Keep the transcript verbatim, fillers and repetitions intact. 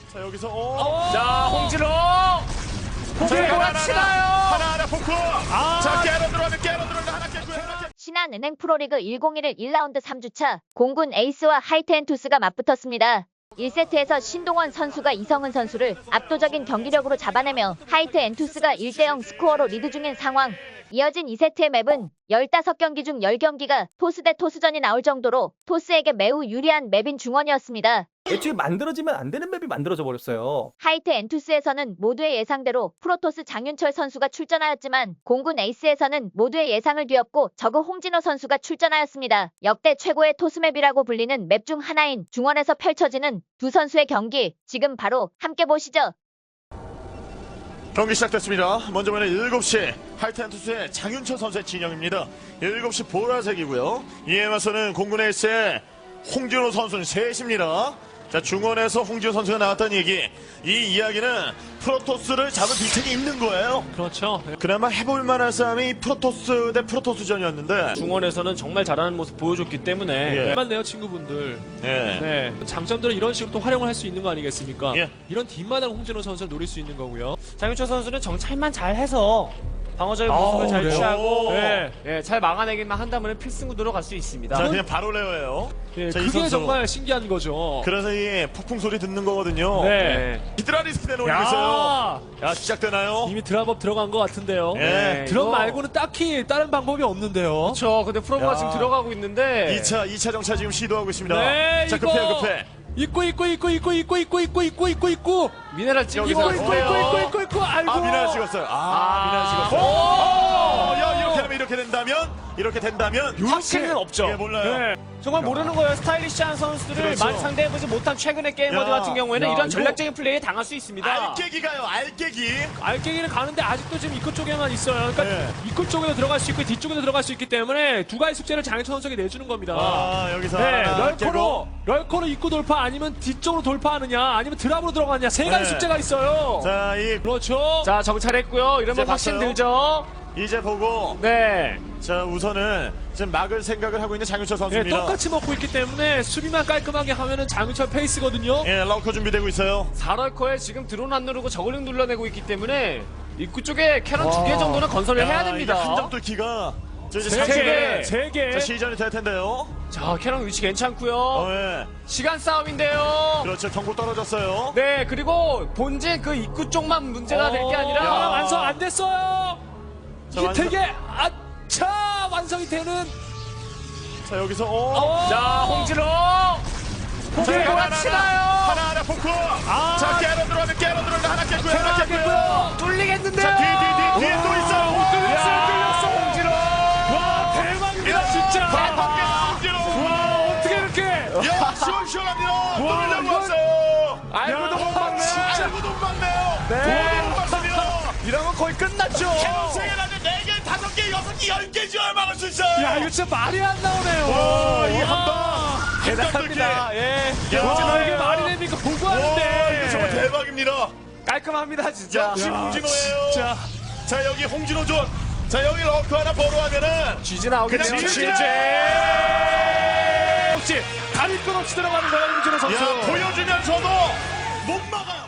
자 여기서 오. 자 홍진호 포기를 몰아치나요. 하나하나 포크. 아. 자 깨러 들어가면 깨러 들어가면 하나 깼고요. 하나 깼. 신한은행 프로리그 천이십일 일 라운드 삼 주차 공군 에이스와 하이트앤투스가 맞붙었습니다. 일 세트에서 신동원 선수가 이성은 선수를 압도적인 경기력으로 잡아내며 하이트앤투스가 일 대 영 스코어로 리드 중인 상황. 이어진 이 세트의 맵은 십오 경기 중 십 경기가 토스 대 토스전이 나올 정도로 토스에게 매우 유리한 맵인 중원이었습니다. 애초에 만들어지면 안 되는 맵이 만들어져 버렸어요. 하이트앤투스에서는 모두의 예상대로 프로토스 장윤철 선수가 출전하였지만 공군 에이스에서는 모두의 예상을 뒤엎고 저그 홍진호 선수가 출전하였습니다. 역대 최고의 토스맵이라고 불리는 맵 중 하나인 중원에서 펼쳐지는 두 선수의 경기 지금 바로 함께 보시죠. 경기 시작됐습니다. 먼저 보는 일곱 시 하이트앤투스의 장윤철 선수의 진영입니다. 일곱 시 보라색이고요. 이에 맞서는 공군 에이스의 홍진호 선수는 셋입니다. 자 중원에서 홍진호 선수가 나왔다는 얘기. 이 이야기는 프로토스를 잡은 뒷책이 있는 거예요. 그렇죠. 그나마 해볼 만한 싸움이 프로토스 대 프로토스전이었는데 중원에서는 정말 잘하는 모습 보여줬기 때문에 예. 맞네요, 친구분들. 예. 네. 장점들은 이런 식으로 또 활용을 할 수 있는 거 아니겠습니까? 예. 이런 뒷마당 홍진호 선수를 노릴 수 있는 거고요. 장윤철 선수는 정찰만 잘해서 방어적인 모습을 아우, 잘 그래요? 취하고 네. 예, 잘 막아내기만 한다면 필승 구도로 갈 수 있습니다. 자 그냥 바로 레어예요. 예, 자, 이 그게 선수. 정말 신기한 거죠. 그래서 이 폭풍 소리 듣는 거거든요. 네. 히드라 리스크 내놓고 있어요. 야 시작되나요? 이미 드랍업 들어간 것 같은데요. 예. 네, 드랍 이거- 말고는 딱히 다른 방법이 없는데요. 그렇죠. 근데 프로브가 야. 지금 들어가고 있는데 이 차, 이 차 정차 지금 시도하고 있습니다. 네, 자, 이거 급해요, 급해. 입고 입고 입고 입고 입고 입고 입고 입고 입고 입고 미네랄 찍고 여기서 입고 입고 입고 입고 입고 입고 아이고. 아, 미나를 찍었어요. 아, 아. 미나를 찍었어요. 오! 야, 이렇게 되면, 이렇게 된다면, 이렇게 된다면, 확신은 없죠. 예, 몰라요. 네. 정말 모르는 거예요. 스타일리시한 선수들을 그렇죠. 많이 상대해보지 못한 최근의 게이머들 야. 같은 경우에는 야, 이런 이거- 전략적인 플레이에 당할 수 있습니다. 알깨기가요, 알깨기. 알갱이는 가는데 아직도 지금 입구 쪽에만 있어요. 그러니까 네. 입구 쪽에도 들어갈 수 있고 뒤쪽에도 들어갈 수 있기 때문에 두 가지 숙제를 장윤철 선수에게 내주는 겁니다. 아, 여기서. 네, 하나 럴커로 깨고. 럴커로 입구 돌파 아니면 뒤쪽으로 돌파하느냐 아니면 드랍으로 들어가느냐 세 가지 네. 숙제가 있어요. 자, 이, 그렇죠. 자, 정찰했고요. 이러면 이제 확신 봤어요. 들죠. 이제 보고. 네. 자, 우선은 지금 막을 생각을 하고 있는 장윤철 네, 선수입니다. 똑같이 먹고 있기 때문에 수비만 깔끔하게 하면은 장윤철 페이스거든요. 예, 럭커 준비되고 있어요. 사럴커에 지금 드론 안 누르고 저글링 눌러내고 있기 때문에 입구 쪽에 캐논 두 개 정도는 건설을 해야 됩니다. 한점 뚫기가. 저 이제 세 삼십 개, 세 개. 자, 시전이 될 텐데요. 자, 캐논 위치 괜찮고요. 어, 예. 시간 싸움인데요. 그렇죠. 경고 떨어졌어요. 네, 그리고 본진 그 입구 쪽만 문제가 될 게 어, 아니라 야, 완성 안 됐어요. 자, 이게 완성- 되게 아차 완성이 되는. 자, 여기서, 오. 어, 자, 홍진호 포기를 자, 몰아치나요. 하나하나 포크. 아. 자, 깨러 들어가면 깨러 들어가면 하나 깼고요. 하나 깼고요. 뚫리겠는데요. 자, 뒤, 뒤, 뒤, 뒤에 또 있어요. 오, 뚫렸어요, 야, 뚫렸어. 홍진호. 와 대박이다 진짜. 대박이에요. 와 어떻게 이렇게. 야, 시원시원합니다. 와, 뚫으려고 이건- 왔어요. 알고도 야, 못 막네. 진짜. 알고도 못 막네요. 네. 못 막습니다. 이러면 거의 끝났죠. 캐논 세 개라면 네 개, 다섯 개, 여섯 개, 열 개 지어야 막을 수 있어요. 야 이거 진짜 말이 안 나오네요. 와, 이 와. 한 방. 대단합니다. 예. 야, 와 이게 말이 됩니까? 보고 와, 하는데. 이거 정말 대박입니다. 깔끔합니다, 진짜. 역시 홍진호예요. 진짜. 자, 여기 홍진호 존. 자, 여기 러커 하나 보러 하면은 쥐지 나오겠네요. 그냥 쥐지. 혹시 다리 끝 없이 들어가는 거야 김준호 선수. 야, 보여주면서도 못 막아요.